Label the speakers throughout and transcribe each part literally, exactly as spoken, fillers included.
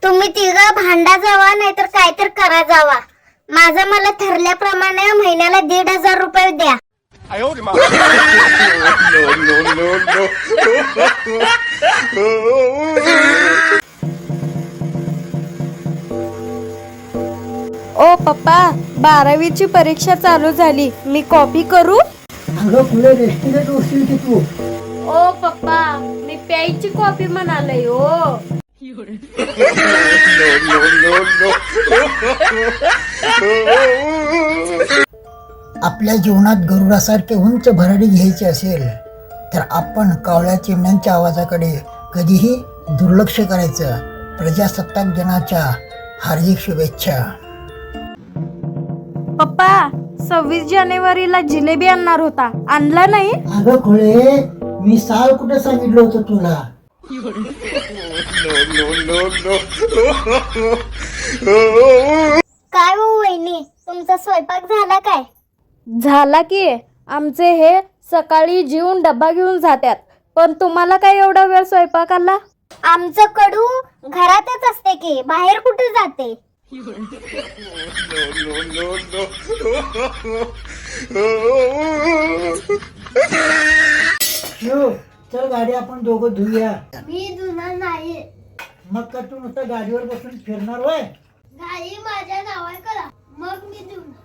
Speaker 1: तुम्ही तिघं भांडा जावा नाहीतर काय तर करा जावा. माझं मला ठरल्याप्रमाणे महिन्याला दीड हजार रुपये द्या.
Speaker 2: ओ पप्पा, बारावीची परीक्षा चालू झाली, मी कॉपी करू?
Speaker 3: अगं पुढे रेस्टिगेट होशील की तू.
Speaker 2: ओ पप्पा, मी प्यायची कॉफी म्हणालय ओ.
Speaker 3: आपल्या जीवनात गरुडासारखे उंच भरारी घ्यायची असेल तर आपण कावळ्या चिमण्यांच्या आवाजाकडे कधीही दुर्लक्ष करायचं. प्रजासत्ताक दिनाच्या हार्दिक शुभेच्छा.
Speaker 2: पप्पा, सव्वीस जानेवारीला जिलेबी आणणार होता, आणला नाही?
Speaker 3: अगं खुळे, मी साल कुठं सांगितलं होतं तुला.
Speaker 1: काय हो वहिनी, तुमचा स्वयंपाक झाला काय?
Speaker 2: झाला की. आमचे हे सकाळी जेवून डब्बा घेऊन जातात, पण तुम्हाला काय एवढा वेळ स्वयंपाकाला?
Speaker 1: आमचं कडू घरातच असते की, बाहेर कुठे जाते?
Speaker 3: शिव, चल गाडी आपण दोघं धुया.
Speaker 1: मी धुणार नाही.
Speaker 3: मग का तू नुसतं गाडीवर बसून फिरणार वय?
Speaker 1: गाडी माझ्या नावावर करा, मग मी धुणार.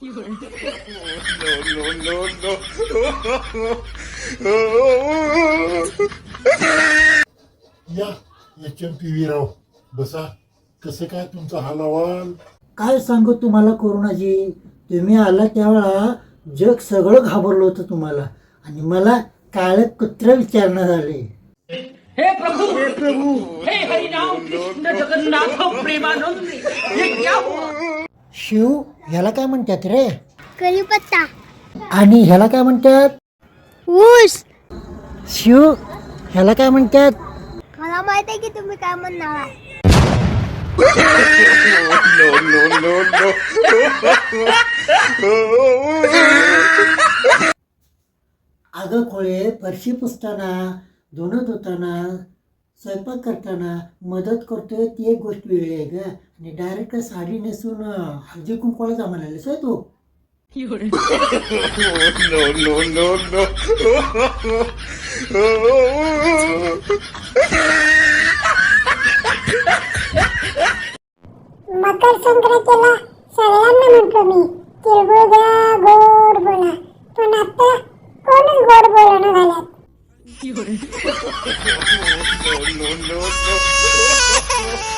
Speaker 4: या H M P V Rao, बसा. कसं काय तुमचा हाल अहवाल?
Speaker 3: काय सांगू तुम्हाला कोरोनाची. तुम्ही आला त्यावेळा जग सगळं घाबरलं होतं तुम्हाला, आणि मला काळ कुत्र विचारण्यात आले.
Speaker 5: हे प्रभु हे प्रभु हे हरिनाम कृष्ण जगन्नाथ प्रेमानंद, ये क्या हुआ?
Speaker 3: शिव, ह्याला काय म्हणतात रे?
Speaker 1: कढीपत्ता.
Speaker 3: आणि ह्याला काय म्हणतात?
Speaker 1: ऊस.
Speaker 3: शिव, ह्याला काय म्हणतात?
Speaker 1: मला माहित आहे की तुम्ही काय म्हणणार आहे.
Speaker 3: अगं खोळे, फरशी पुसताना, धुणं धुताना, स्वयंपाक करताना मदत करतोय ती एक गोष्ट वेगळी आहे ग. आणि डायरेक्ट साडी नेसून हळदी कुंकवाला जा म्हणालीस होय तू.
Speaker 1: मकर संक्रांतीला सगळ्यांना म्हटलो मी तिळगुळ घ्या, गोड बोला, पण आता कोणच गोड बोलणं झाल्यात.
Speaker 4: No, no, no, no.